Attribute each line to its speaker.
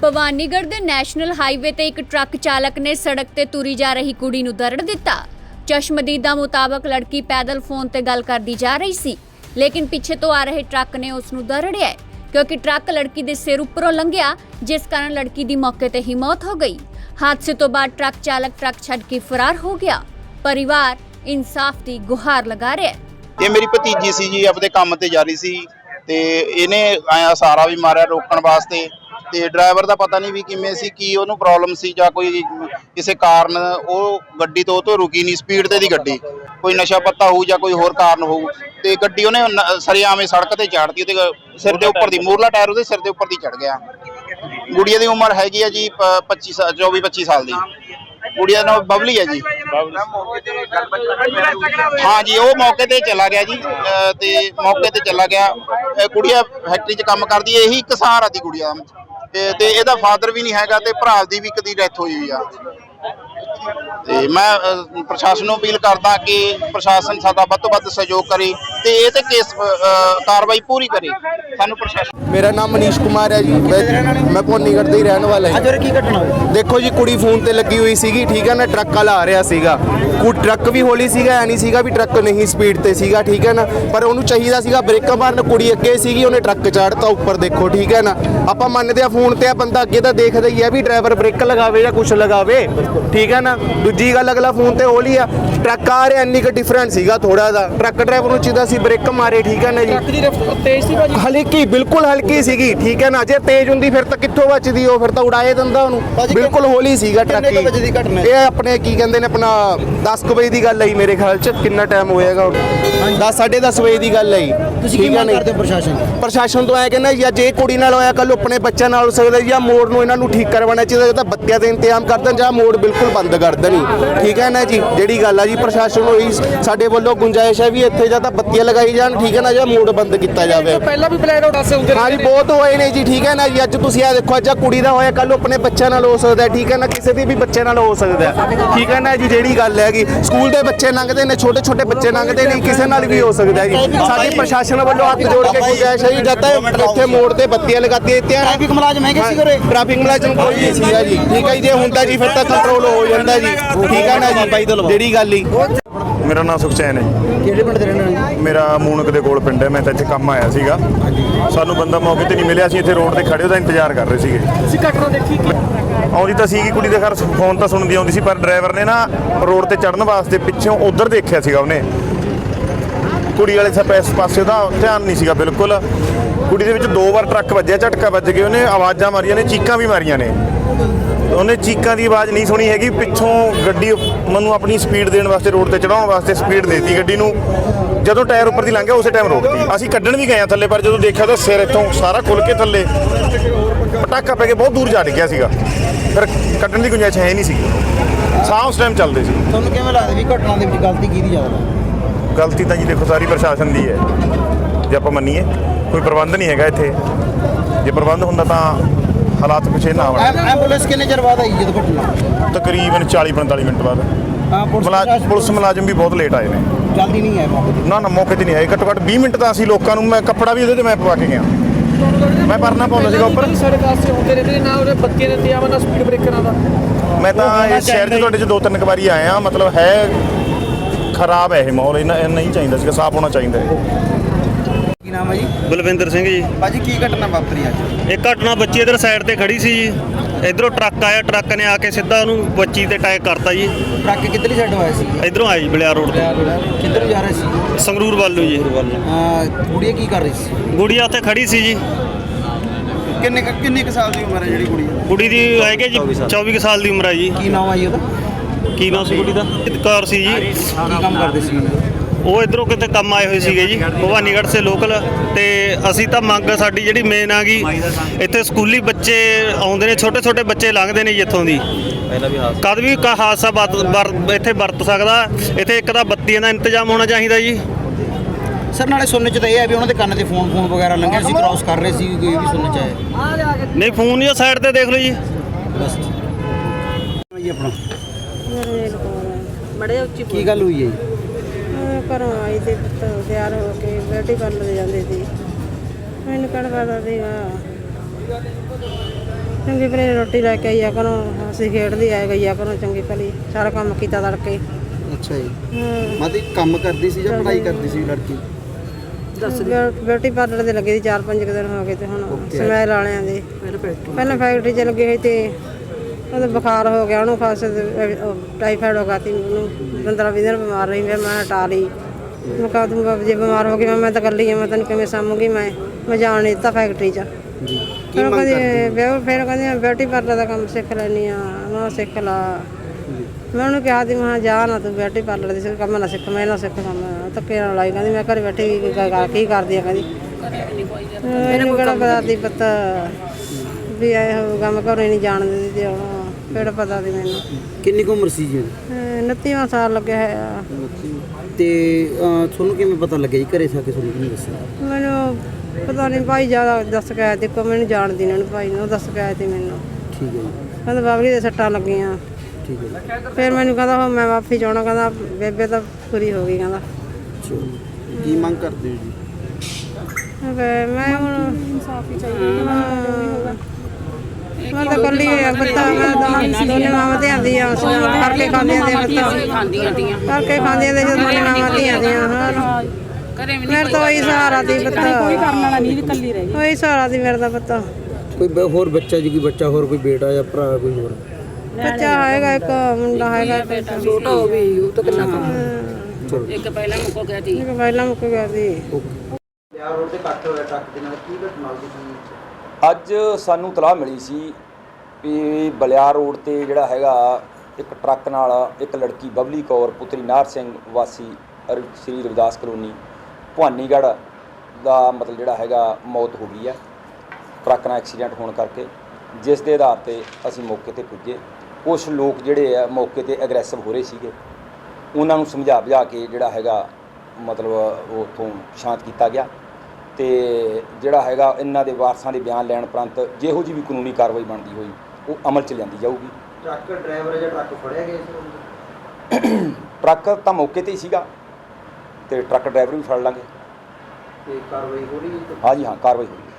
Speaker 1: ਭਵਾਨੀਗੜ੍ਹ ਦੇ national highway ਤੇ ਇੱਕ ਟਰੱਕ ਚਾਲਕ ਨੇ ਸੜਕ ਤੇ ਤੁਰੀ ਜਾ ਰਹੀ ਕੁੜੀ ਨੂੰ ਦਰੜ ਦਿੱਤਾ। ਚਸ਼ਮਦੀਦਾ ਮੁਤਾਬਕ ਲੜਕੀ ਪੈਦਲ ਫੋਨ ਤੇ ਗੱਲ ਕਰਦੀ ਜਾ ਰਹੀ ਸੀ, ਲੇਕਿਨ ਪਿੱਛੇ ਤੋਂ ਆ ਰਹੇ ਟਰੱਕ ਨੇ ਉਸ ਨੂੰ ਦਰੜਿਆ क्योंकि ट्रक लड़की के सिर उपरों लंघिया, जिस कारण लड़की की मौके ते ही मौत हो गई। हादसे तो बाद ट्रक चालक ट्रक छड़ के फरार हो गया। परिवार इंसाफ की गुहार लगा रहा है।
Speaker 2: ये मेरी भतीजी सी जी, अपने काम ते जा रही सी ते इहने आया सारा भी मारिया रोकण वास्ते ते ड्राइवर का पता नहीं भी किवें सी, की ओनू प्रॉब्लम सी जां कोई किसी कारण वो गड्डी तो रुकी नहीं, स्पीड ते दी गड्डी, कोई नशा पत्ता हो जां कोई होर कारण हो ते गड्डी उहने सरेआम सड़क ते चाड़ती ते सिर दे उपर दी मूरला टायर उहदे सिर दे उपर दी चढ़ गया। गुड़िया दी उम्र हैगी है जी 24-25 साल दी। गुड़िया नाम बबली है जी। हाँ जी, वो मौके ते चला गया जी, ते मौके ते चला गया। गुड़िया फैक्ट्री च काम करदी है, यही एक सहारा दी गुड़िया ते ਇਹਦਾ ਫਾਦਰ ਵੀ ਨਹੀਂ ਹੈਗਾ ਤੇ ਭਰਾ ਦੀ ਵੀ ਕਦੀ ਡੈਥ ਹੋਈ ਹੋਈ ਆ। ਤੇ ਮੈਂ ਪ੍ਰਸ਼ਾਸਨ ਨੂੰ ਅਪੀਲ ਕਰਦਾ ਕਿ ਪ੍ਰਸ਼ਾਸਨ ਸਾਡਾ ਵੱਧ ਤੋਂ ਵੱਧ ਸਹਿਯੋਗ ਕਰੇ ਤੇ ਇਹ ਤੇ ਕੇਸ ਕਾਰਵਾਈ ਪੂਰੀ ਕਰੇ। ਸਾਨੂੰ ਪ੍ਰਸ਼ਾਸਨ।
Speaker 3: मेरा नाम मनीष कुमार है जी, मैं भवानीगढ़ ਦਾ ਹੀ ਰਹਿਣ ਵਾਲਾ ਹਾਂ।
Speaker 4: ਅੱਜ ਕੀ ਘਟਨਾ ਹੋਈ?
Speaker 3: ਦੇਖੋ ਜੀ, ਕੁੜੀ ਫੋਨ ਤੇ ਲੱਗੀ ਹੋਈ ਸੀਗੀ, ਠੀਕ ਹੈ ਨਾ, ਟਰੱਕ ਵਾਲਾ ਆ ਰਿਹਾ ਸੀਗਾ, ਟਰੱਕ ਵੀ ਹੌਲੀ ਸੀਗਾ, ਐ ਨਹੀਂ ਸੀਗਾ ਵੀ ਟਰੱਕ ਨਹੀਂ ਸਪੀਡ ਤੇ ਸੀਗਾ, ਠੀਕ ਹੈ ਨਾ, ਪਰ ਉਹਨੂੰ ਚਾਹੀਦਾ ਸੀਗਾ ਬ੍ਰੇਕਾਂ ਮਾਰਨ, ਕੁੜੀ ਅੱਗੇ ਸੀਗੀ, ਉਹਨੇ ਟਰੱਕ ਚਾੜਤਾ ਉੱਪਰ, ਦੇਖੋ ਠੀਕ ਹੈ ਨਾ। ਆਪਾਂ ਮੰਨਦੇ ਆ ਫੋਨ ਤੇ ਆ ਬੰਦਾ ਅੱਗੇ ਤਾਂ ਦੇਖਦਾ ਹੀ ਆ ਵੀ ਡਰਾਈਵਰ ਬ੍ਰੇਕ ਲਗਾਵੇ ਜਾਂ ਕੁਛ ਲਗਾਵੇ, ਠੀਕ ਹੈ ਨਾ। ਦੂਜੀ ਗੱਲ, ਅਗਲਾ ਫੋਨ ਤੇ ਹੌਲੀ ਆ, ਟਰੱਕ ਆ ਰਿਹਾ, ਇੰਨੀ ਕੁ ਡਿਫਰੈਂਟ ਸੀਗਾ ਥੋੜਾ ਦਾ, ਟਰੱਕ ਡਰਾਈਵਰ ਨੂੰ ਚਾਹੀਦਾ ਸੀ ਬ੍ਰੇਕ ਮਾਰੇ, ਠੀਕ ਹੈ ਨਾ ਜੀ।
Speaker 4: ਟਰੱਕ ਦੀ ਰਫ਼ਤਾਰ ਤੇਜ਼ ਸੀ ਭਾਜੀ?
Speaker 3: ਹਲਕੀ, ਬਿਲਕੁਲ ਹਲਕੀ ਸੀਗੀ, ਠੀਕ ਹੈ ਨਾ। ਜੇ ਤੇਜ਼ ਹੁੰਦੀ ਫਿਰ ਤਾਂ ਕਿੱਥੋਂ ਬਚਦੀ, ਉਹ ਫਿਰ ਤਾਂ ਉਡਾਏ ਦਿੰਦਾ ਉਹਨੂੰ। ਬਿਲਕੁਲ ਹੌਲੀ ਸੀਗਾ ਟਰੱਕ।
Speaker 4: ਕਿੰਨੇ ਵਜੇ ਦੀ ਘਟਨਾ?
Speaker 3: ਇਹ ਆਪਣੇ ਕੀ ਕਹਿੰਦੇ ਨੇ, ਆਪਣਾ 10 ਵਜੇ ਦੀ ਗੱਲ ਹੈ ਮੇਰੇ ਖਿਆਲ ਚ। ਕਿੰਨਾ ਟਾਈਮ ਹੋਏਗਾ? 10-10:30 ਵਜੇ ਦੀ ਗੱਲ ਹੈ।
Speaker 4: ਤੁਸੀਂ ਕੀ ਮੰਗ ਕਰਦੇ ਹੋ ਪ੍ਰਸ਼ਾਸਨ ਤੋਂ?
Speaker 3: ਪ੍ਰਸ਼ਾਸਨ ਤੋਂ ਐ ਕਹਿੰਦਾ ਜਾਂ ਜੇ ਕੁੜੀ ਨਾਲ ਹੋਇਆ ਕੱਲ ਆਪਣੇ ਬੱਚਿਆਂ ਨਾਲ ਹੋ ਸਕਦਾ, ਜਾਂ ਮੋੜ ਨੂੰ ਇਹਨਾਂ ਨੂੰ ਠੀਕ ਕਰਵਾਉਣਾ ਚਾਹੀਦਾ, ਜਾਂ ਤਾਂ ਬੱਤੀਆਂ ਦਾ ਇੰਤਜ਼ਾਮ ਕਰ ਦੇਣ ਜਾਂ ਮੋੜ ਬਿਲਕੁਲ ਬੰਦ ਕਰ ਦੇਣ, ਠੀਕ ਹੈ ਨਾ ਜੀ। ਜਿਹੜੀ ਗੱਲ ਆ ਜੀ, ਪ੍ਰਸ਼ਾਸਨ ਨੂੰ ਇਹੀ ਸਾਡੇ ਵੱਲੋਂ ਗੁੰਜਾਇਸ਼ ਹੈ ਵੀ ਇੱਥੇ ਜਾਂ ਤਾਂ ਬੱਤੀਆਂ ਲਗਾਈ ਜਾਣ, ਠੀਕ ਹੈ ਨਾ, ਜਾਂ ਮੋੜ ਬੰਦ ਕੀਤਾ ਜਾਵੇ।
Speaker 4: ਪਹਿਲਾਂ ਵੀ ਬਲੈਕ ਆਊਟ ਹਾਸੇ ਹੁੰਦੇ?
Speaker 3: ਹਾਂ ਜੀ, ਬਹੁਤ ਹੋਏ ਨੇ ਜੀ, ਠੀਕ ਹੈ ਨਾ ਜੀ। ਅੱਜ ਤੁਸੀਂ ਆ ਦੇਖੋ, ਅੱਜ ਕੁੜੀ ਦਾ ਹੋਇਆ, ਕੱਲ ਆਪਣੇ ਬੱਚਿਆਂ ਨਾਲ ਹੋ ਸਕਦਾ, ਠੀਕ ਹੈ ਨਾ, ਕਿਸੇ ਦੀ ਵੀ ਬੱਚੇ ਨਾਲ ਹੋ ਸਕਦਾ, ਠੀਕ ਹੈ ਨਾ ਜੀ। ਜਿਹੜੀ ਗੱਲ ਹੈਗੀ, ਸਕੂਲ ਦੇ ਬੱਚੇ ਲੰਘਦੇ ਨੇ, ਛੋਟੇ ਬੱਚੇ ਲੰਘਦੇ ਨੇ, ਕਿਸੇ ਨਾਲ ਵੀ ਹੋ ਸਕਦਾ ਜੀ। ਸਾਡੀ ਪ੍ਰਸ਼ਾਸਨ ਵੱਲੋਂ ਹੱਥ ਜੋੜ ਕੇ ਗੁੰਜਾਇਸ਼ ਹੈ ਜੀ, ਜਦ ਤੱਕ ਇੱਥੇ ਮੋੜ ਤੇ ਬੱਤੀਆਂ ਲਗਾਤੀਆਂ ਦਿੱਤੀਆਂ।
Speaker 4: ਟ੍ਰੈਫਿਕ ਮੁਲਾਜ਼ਮ ਹੈਗੇ ਸੀ ਘਰੇ?
Speaker 3: ਟ੍ਰੈਫਿਕ ਮੁਲਾਜ਼ਮ ਕੋਈ ਨਹੀਂ ਸੀਗਾ ਜੀ, ਠੀਕ ਹੈ ਜੀ। ਜੇ ਹੁੰਦਾ ਜੀ ਫਿਰ ਤਾਂ ਕੰਟਰੋਲ ਹੋ ਜਾਂਦਾ ਜੀ, ਠੀਕ ਹੈ ਨਾ ਜੀ। ਜਿਹੜੀ ਗੱਲ ਹੀ।
Speaker 5: ਮੇਰਾ ਨਾਮ ਸੁਖਚੈਨ ਹੈ।
Speaker 4: ਕਿਹੜੇ ਪਿੰਡ ਦੇ ਰਹਿਣ ਵਾਲੇ?
Speaker 5: ਮੇਰਾ ਮੂਨਕ ਦੇ ਕੋਲ ਪਿੰਡ ਹੈ। ਮੈਂ ਤਾਂ ਇੱਥੇ ਕੰਮ ਆਇਆ ਸੀਗਾ, ਸਾਨੂੰ ਬੰਦਾ ਮੌਕੇ ਤੇ ਨਹੀਂ ਮਿਲਿਆ, ਸੀ ਇੱਥੇ ਰੋਡ ਤੇ ਖੜੇ ਉਹਦਾ ਇੰਤਜ਼ਾਰ ਕਰ ਰਹੇ ਸੀਗੇ।
Speaker 4: ਤੁਸੀਂ ਘਟਨਾ ਦੇਖੀ?
Speaker 5: ਆਉਂਦੀ ਤਾਂ ਸੀਗੀ ਕੁੜੀ ਦੇ ਘਰ, ਫੋਨ ਤਾਂ ਸੁਣਦੀ ਆਉਂਦੀ ਸੀ, ਪਰ ਡਰਾਈਵਰ ਨੇ ਨਾ ਰੋਡ ਤੇ ਚੜ੍ਹਨ ਵਾਸਤੇ ਪਿੱਛੋਂ ਉਧਰ ਦੇਖਿਆ ਸੀਗਾ ਉਹਨੇ, ਕੁੜੀ ਵਾਲੇ ਪਾਸੇ ਉਹਦਾ ਧਿਆਨ ਨਹੀਂ ਸੀਗਾ ਬਿਲਕੁਲ। ਕੁੜੀ ਦੇ ਵਿੱਚ 2 ਵਾਰ ਟਰੱਕ ਵੱਜਿਆ, ਝਟਕਾ ਵੱਜ ਕੇ ਉਹਨੇ ਆਵਾਜ਼ਾਂ ਮਾਰੀਆਂ ਨੇ, ਚੀਕਾਂ ਵੀ ਮਾਰੀਆਂ ਨੇ। ਉਹਨੇ ਚੀਕਾਂ ਦੀ ਆਵਾਜ਼ ਨਹੀਂ ਸੁਣੀ ਹੈਗੀ, ਪਿੱਛੋਂ ਗੱਡੀ ਮੈਨੂੰ ਆਪਣੀ ਸਪੀਡ ਦੇਣ ਵਾਸਤੇ, ਰੋਡ ਤੇ ਚੜਾਉਣ ਵਾਸਤੇ ਸਪੀਡ ਦੇਤੀ ਗੱਡੀ ਨੂੰ। ਜਦੋਂ ਟਾਇਰ ਉੱਪਰ ਦੀ ਲੰਘ ਗਿਆ ਉਸੇ ਟਾਈਮ ਰੋਕਤੀ। ਅਸੀਂ ਕੱਢਣ ਵੀ ਗਏ ਆ ਥੱਲੇ, ਪਰ ਜਦੋਂ ਦੇਖਿਆ ਤਾਂ ਸਿਰ ਇੱਥੋਂ ਸਾਰਾ ਖੁੱਲ ਕੇ ਥੱਲੇ ਪਟਾਕਾ ਪੈ ਕੇ ਬਹੁਤ ਦੂਰ ਜਾ ਡਿੱਗਿਆ ਸੀਗਾ। ਫਿਰ ਕੱਢਣ ਦੀ ਗੁੰਜਾਇਸ਼ ਹੈ ਨਹੀਂ ਸੀ, ਸਾਹ ਉਸ ਟਾਈਮ ਚੱਲਦੇ ਸੀ।
Speaker 4: ਤੁਹਾਨੂੰ ਕਿਵੇਂ ਲੱਗਦਾ ਵੀ ਘਟਨਾ ਦੇ ਵਿੱਚ ਗਲਤੀ ਕਿਹਦੀ ਜ਼ਿਆਦਾ?
Speaker 5: ਗਲਤੀ ਤਾਂ ਜੀ ਦੇਖੋ ਸਾਰੀ ਪ੍ਰਸ਼ਾਸਨ ਦੀ ਹੈ, ਜੇ ਆਪਾਂ ਮੰਨੀਏ। ਕੋਈ ਪ੍ਰਬੰਧ ਨਹੀਂ ਹੈਗਾ ਇੱਥੇ, ਜੇ ਪ੍ਰਬੰਧ ਹੁੰਦਾ ਤਾਂ ਹਾਲਾਤ ਕੁਛ ਇਹ ਨਾ ਹੋਣ।
Speaker 4: ਐਂਬੂਲੈਂਸ ਕਿੰਨੇ ਚਿਰ ਬਾਅਦ ਆਈ ਜਦੋਂ ਘਟਨਾ?
Speaker 5: ਤਕਰੀਬਨ 40-45 ਮਿੰਟ ਬਾਅਦ। ਪੁਲਿਸ ਮੁਲਾਜ਼ਮ ਵੀ ਬਹੁਤ ਲੇਟ ਆਏ ਨੇ,
Speaker 4: ਜਲਦੀ ਨਹੀਂ ਆਏ ਮੌਕੇ ਤੇ?
Speaker 5: ਨਾ ਮੌਕੇ ਤੇ ਨਹੀਂ ਆਏ। ਘੱਟੋ ਘੱਟ 20 ਮਿੰਟ ਤਾਂ ਅਸੀਂ ਲੋਕਾਂ ਨੂੰ, ਮੈਂ ਕੱਪੜਾ ਵੀ ਉਹਦੇ ਤੇ ਮੈਂ ਪਵਾ ਕੇ ਗਿਆ, ਮੈਂ ਪਰਨਾ ਪਾਉਂਦਾ ਸੀਗਾ ਉੱਪਰ।
Speaker 4: ਸੜਕ ਹਾਸੇ ਹੁੰਦੇ ਰਹਿੰਦੇ ਨਾ, ਉਹਦੇ ਬੱਤੀਆਂ ਦੇ ਇੰਤਜ਼ਾਮ ਨਾਲ, ਸਪੀਡ ਬ੍ਰੇਕਰਾਂ ਦਾ।
Speaker 5: ਮੈਂ ਤਾਂ ਇਸ ਸ਼ਹਿਰ 'ਚ ਤੁਹਾਡੇ 'ਚ 2-3 ਵਾਰੀ ਆਇਆ, ਮਤਲਬ ਹੈ ਖਰਾਬ ਹੈ ਇਹ ਮਾਹੌਲ, ਇਹਨਾਂ ਨਹੀਂ ਚਾਹੀਦਾ ਸੀਗਾ, ਸਾਫ਼ ਹੋਣਾ ਚਾਹੀਦਾ ਹੈ।
Speaker 4: ਕੀ ਨਾਮ ਹੈ ਜੀ?
Speaker 6: ਬਲਵਿੰਦਰ ਸਿੰਘ ਜੀ।
Speaker 4: ਭਾਜੀ ਕੀ ਘਟਨਾ ਵਾਪਰੀ ਅੱਜ?
Speaker 6: ਇਹ ਘਟਨਾ ਬੱਚੀ ਇਧਰ ਸਾਈਡ ਤੇ ਖੜੀ ਸੀ ਜੀ, ਇਧਰੋਂ ਟਰੱਕ ਆਇਆ, ਟਰੱਕ ਨੇ ਆ ਕੇ ਸਿੱਧਾ ਉਹਨੂੰ ਬੱਚੀ ਤੇ ਅਟੈਕ ਕਰਤਾ ਜੀ।
Speaker 4: ਟਰੱਕ ਕਿੱਧਰਲੀ ਸਾਈਡ ਆਇਆ ਸੀ?
Speaker 6: ਇਧਰੋਂ ਆਈ ਬਲਿਆਰ ਰੋਡ ਤੋਂ,
Speaker 4: ਕਿੱਧਰ ਜਾ ਰਹੇ ਸੀ?
Speaker 6: ਸੰਗਰੂਰ ਵੱਲ ਨੂੰ ਜੀ।
Speaker 4: ਕੁੜੀ ਕੀ ਕਰ ਰਹੀ ਸੀ?
Speaker 6: ਗੁੜੀਆ ਉੱਥੇ ਖੜੀ ਸੀ ਜੀ।
Speaker 4: ਕਿੰਨੇ ਕੁ ਸਾਲ ਦੀ ਉਮਰ ਹੈ ਜਿਹੜੀ ਕੁੜੀ?
Speaker 6: ਕੁੜੀ ਦੀ ਹੈਗੇ ਜੀ 24 ਸਾਲ ਦੀ ਉਮਰ ਹੈ ਜੀ।
Speaker 4: ਕੀ ਨਾਮ ਹੈ ਜੀ ਉਹਦਾ?
Speaker 6: ਕੀ ਨਾਮ ਸੀ ਕੁੜੀ ਦਾ? ਕੌਰ ਸੀ ਜੀ।
Speaker 4: ਕੀ ਕੰਮ ਕਰਦੇ ਸੀ?
Speaker 6: ਉਹ ਇਧਰੋਂ ਕਿਤੇ ਕੰਮ ਆਏ ਹੋਏ ਸੀਗੇ ਜੀ, ਭਵਾਨੀਗੜ੍ਹ ਸੇ ਲੋਕਲ। ਤੇ ਅਸੀਂ ਤਾਂ ਮੰਗ ਸਾਡੀ ਜਿਹੜੀ ਮੇਨ ਆ ਗਈ, ਇੱਥੇ ਸਕੂਲੀ ਬੱਚੇ ਆਉਂਦੇ ਨੇ, ਛੋਟੇ ਬੱਚੇ ਲੰਘਦੇ ਨੇ ਜੀ ਇੱਥੋਂ ਦੀ, ਕਦ ਵੀ ਹਾਦਸਾ ਇੱਥੇ ਵਰਤ ਸਕਦਾ। ਇੱਥੇ ਇੱਕ ਤਾਂ ਬੱਤੀਆਂ ਦਾ ਇੰਤਜ਼ਾਮ ਹੋਣਾ ਚਾਹੀਦਾ ਜੀ।
Speaker 4: ਸਰ ਨਾਲੇ ਸੁਣਨ ਚ ਤਾਂ ਇਹ ਹੈ ਵੀ ਉਹਨਾਂ ਦੇ ਕੰਨ ਤੇ ਫੋਨ ਵਗੈਰਾ ਲੰਘਿਆ ਸੀ, ਕ੍ਰਾਸ ਕਰ ਰਹੇ ਸੀ, ਕੋਈ ਵੀ ਸੁਣਨ ਚ ਆਇਆ?
Speaker 6: ਨਹੀਂ, ਫੋਨ ਹੀ ਸਾਈਡ ਤੇ ਦੇਖ ਲਓ ਜੀ।
Speaker 4: ਬਸ ਜੀ। ਆਪਣਾ
Speaker 7: ਬੜੇ ਉੱਚੀ
Speaker 4: ਕੀ ਗੱਲ ਹੋਈ ਹੈ ਜੀ?
Speaker 7: ਘਰੋਂ ਆਈ ਤੇ ਤਿਆਰ ਹੋ ਕੇ ਬਿਊਟੀ ਪਾਰਲਰ ਜਾਂਦੇ ਸੀ, ਮੈਨੂੰ ਕਿਹੜਾ ਪਤਾ ਸੀਗਾ ਚੰਗੀ ਭਲੀ ਰੋਟੀ ਲੈ ਕੇ ਆਈਆ ਕਰੋ, ਅਸੀਂ ਖੇਡਦੀ ਆਏ ਗਈਆ ਕਰੋ ਚੰਗੀ ਭਲੀ, ਸਾਰਾ ਕੰਮ ਕੀਤਾ ਤੜਕੇ।
Speaker 4: ਅੱਛਾ ਜੀ।
Speaker 7: ਹਾਂ
Speaker 4: ਮਾਤਾ ਕੰਮ ਕਰਦੀ ਸੀ ਜਾਂ ਪੜ੍ਹਾਈ ਕਰਦੀ ਸੀ ਲੜਕੀ?
Speaker 7: ਬਿਊਟੀ ਪਾਰਲਰ ਦੇ ਲੱਗੇ ਸੀ 4-5 ਦਿਨ ਹੋ ਗਏ ਤੇ ਹੁਣ ਸਮੈਲ ਵਾਲਿਆਂ ਦੇ ਪਹਿਲਾਂ ਫੈਕਟਰੀ 'ਚ ਲੱਗੇ ਹੋਏ ਤੇ ਉਹਦਾ ਬੁਖਾਰ ਹੋ ਗਿਆ, ਉਹਨੂੰ ਖਾਸ ਟਾਈਫਾਇਡ ਹੋ ਗਿਆ ਸੀ, ਉਹਨੂੰ 15-20 ਦਿਨ ਬਿਮਾਰ ਰਹੀ। ਫਿਰ ਮੈਂ ਹਟਾ ਲਈ, ਮੈਂ ਕਿਹਾ ਤੂੰ ਜੇ ਬਿਮਾਰ ਹੋ ਗਈ ਮੈਂ ਤਾਂ ਇਕੱਲੀ ਹਾਂ, ਮੈਂ ਤੈਨੂੰ ਕਿਵੇਂ ਸਾਂਭੂਗੀ, ਮੈਂ ਜਾਣ ਨਹੀਂ ਦਿੱਤਾ ਫੈਕਟਰੀ 'ਚ।
Speaker 4: ਜੀ
Speaker 7: ਫਿਰ ਕਹਿੰਦੀ ਬਿਊਟੀ ਪਾਰਲਰ ਦਾ ਕੰਮ ਸਿੱਖ ਲੈਂਦੀ ਆ, ਮੈਂ ਸਿੱਖ ਲਾ। ਮੈਂ ਉਹਨੂੰ ਕਿਹਾ ਸੀ ਮੈਂ ਜਾ ਨਾ ਤੂੰ ਬਿਊਟੀ ਪਾਰਲਰ ਦੇ ਕੰਮ ਨਾ ਸਿੱਖ, ਮੈਂ ਨਾ ਸਿੱਖ ਕੰਮ, ਧੱਕੇ ਨਾਲ ਲਾਈ। ਕਹਿੰਦੀ ਮੈਂ ਘਰ ਬੈਠੀ ਕੀ ਕਰਦੀ ਆ, ਕਹਿੰਦੀ ਇਹਨੂੰ ਕਿਹੜਾ ਪਤਾ ਸੀ ਪਤਾ ਵੀ ਇਹ ਹੋਊਗਾ, ਮੈਂ ਘਰੋਂ ਨਹੀਂ ਜਾਣ ਦਿੰਦੀ ਤੇ ਹੁਣ ਕਿਹੜਾ ਪਤਾ ਸੀ ਮੈਨੂੰ।
Speaker 4: ਕਿੰਨੀ ਕੁ ਉਮਰ ਸੀ ਜੀ?
Speaker 7: 29ਵਾਂ ਸਾਲ ਲੱਗਿਆ ਹੋਇਆ।
Speaker 4: ਤੇ ਤੁਹਾਨੂੰ ਕਿਵੇਂ ਪਤਾ ਲੱਗਿਆ ਜੀ ਘਰੇ ਜਾ ਕੇ, ਤੁਹਾਨੂੰ ਕਿਹਨੇ ਦੱਸਿਆ?
Speaker 7: ਮੈਨੂੰ ਪਤਾ ਨਹੀਂ ਭਾਈ ਜ਼ਿਆਦਾ ਦੱਸ ਕੇ ਆਇਆ, ਦੇਖੋ ਮੈਨੂੰ ਜਾਣਦੀ ਨਹੀਂ, ਉਹਨੂੰ ਭਾਈ ਨੂੰ ਦੱਸ ਕੇ ਆਇਆ ਸੀ ਮੈਨੂੰ।
Speaker 4: ਠੀਕ ਹੈ ਜੀ।
Speaker 7: ਕਹਿੰਦਾ ਬਾਬਲੀ ਦੇ ਸੱਟਾਂ ਲੱਗੀਆਂ।
Speaker 4: ਠੀਕ ਹੈ ਜੀ।
Speaker 7: ਫਿਰ ਮੈਨੂੰ ਕਹਿੰਦਾ ਹੁਣ ਮੈਂ ਮਾਫੀ ਚਾਹਣਾ, ਕਹਿੰਦਾ ਬੇਬੇ ਤਾਂ ਪੂਰੀ ਹੋ ਗਈ, ਕਹਿੰਦਾ।
Speaker 4: ਚਲੋ ਕੀ ਮੰਗ ਕਰਦੇ ਹੋ ਜੀ?
Speaker 7: ਮੈਂ ਹੁਣ ਇਨਸਾਫੀ ਚਾਹੀਦਾ, ਮੈਂ ਤਾਂ ਕੱਲੀ ਬੱਤਾ, ਮੈਂ ਤਾਂ ਦੋਨੇ ਮਾਵਾਂ ਧੀਆਂ ਦੀਆਂ ਕਰਕੇ ਖਾਂਦੀਆਂ ਦੇ ਬੱਤਾ ਕਰਕੇ ਖਾਂਦੀਆਂ ਦੇ, ਜਦੋਂ ਦੋਨੇ ਮਾਵਾਂ ਧੀਆਂ ਦੀਆਂ ਮੇਰੇ ਤਾਂ ਉਹੀ ਸਹਾਰਾ ਦੀ ਬੱਤਾ, ਕੋਈ ਕਰਨ ਵਾਲਾ ਨਹੀਂ, ਇਕੱਲੀ ਰਹਿ ਗਈ, ਉਹੀ ਸਹਾਰਾ ਦੀ ਮੇਰੇ ਦਾ ਬੱਤਾ।
Speaker 4: ਕੋਈ ਹੋਰ ਬੱਚਾ ਜੀ? ਕੋਈ ਬੱਚਾ ਹੋਰ, ਕੋਈ ਬੇਟਾ ਜਾਂ ਭਰਾ, ਕੋਈ ਹੋਰ
Speaker 7: ਬੱਚਾ ਹੈਗਾ, ਇੱਕ ਮੁੰਡਾ ਹੈਗਾ, ਛੋਟਾ ਹੋ ਵੀ ਉਹ ਤਾਂ ਕਿੰਨਾ ਕੰਮ।
Speaker 4: ਚਲੋ
Speaker 7: ਇੱਕ ਪਹਿਲਾਂ ਮੁੱਕ ਗਿਆ ਸੀ।
Speaker 4: ਬਿਆਰ ਰੋਡ ਤੇ ਕੱਟ ਹੋਇਆ ਟਰੱਕ ਦੇ ਨਾਲ, ਕੀ ਘਟਨਾ ਹੋਈ ਸੀ?
Speaker 8: ਅੱਜ ਸਾਨੂੰ ਤਲਾਹ ਮਿਲੀ ਸੀ ਵੀ ਬਲਿਆਰ ਰੋਡ ਤੇ ਜਿਹੜਾ ਹੈਗਾ ਇੱਕ ਟਰੱਕ ਨਾਲ ਇੱਕ ਲੜਕੀ ਬਬਲੀ ਕੌਰ ਪੁੱਤਰੀ ਨਾਰ ਸਿੰਘ ਵਾਸੀ ਸ੍ਰੀ ਰਵਿਦਾਸ ਕਲੋਨੀ ਭਵਾਨੀਗੜ੍ਹ ਦਾ ਮਤਲਬ ਜਿਹੜਾ ਹੈਗਾ ਮੌਤ ਹੋ ਗਈ ਹੈ ਟਰੱਕ ਨਾਲ ਐਕਸੀਡੈਂਟ ਹੋਣ ਕਰਕੇ, ਜਿਸ ਦੇ ਆਧਾਰ ਤੇ ਅਸੀਂ ਮੌਕੇ ਤੇ ਪੁੱਜੇ। ਕੁਛ ਲੋਕ ਜਿਹੜੇ ਆ ਮੌਕੇ ਤੇ ਐਗਰੈਸਿਵ ਹੋ ਰਹੇ ਸੀਗੇ, ਉਹਨਾਂ ਨੂੰ ਸਮਝਾ ਬੁਝਾ ਕੇ ਜਿਹੜਾ ਹੈਗਾ ਮਤਲਬ ਉਹ ਉੱਥੋਂ ਸ਼ਾਂਤ ਕੀਤਾ ਗਿਆ ਤੇ ਜਿਹੜਾ ਹੈਗਾ ਇਹਨਾਂ ਦੇ ਵਾਰਸਾਂ ਦੇ ਬਿਆਨ ਲੈਣ ਉਪਰੰਤ ਜਿਹੋ ਜਿਹੀ ਵੀ ਕਾਨੂੰਨੀ ਕਾਰਵਾਈ ਬਣਦੀ ਹੋਈ ਉਹ ਅਮਲ 'ਚ ਲਿਆਂਦੀ ਜਾਊਗੀ।
Speaker 4: ਟਰੱਕ ਡਰਾਈਵਰ ਜਾਂ ਟਰੱਕ ਫੜਿਆ ਗਿਆ ਸੀ?
Speaker 8: ਟਰੱਕ ਤਾਂ ਮੌਕੇ ਤੇ ਹੀ ਸੀਗਾ ਤੇ ਟਰੱਕ ਡਰਾਈਵਰ ਵੀ ਫੜ ਲਾਂਗੇ।
Speaker 4: ਤੇ ਕਾਰਵਾਈ ਹੋ ਰਹੀ ਹੈ?
Speaker 8: ਹਾਂਜੀ ਹਾਂ, ਕਾਰਵਾਈ ਹੋਈ।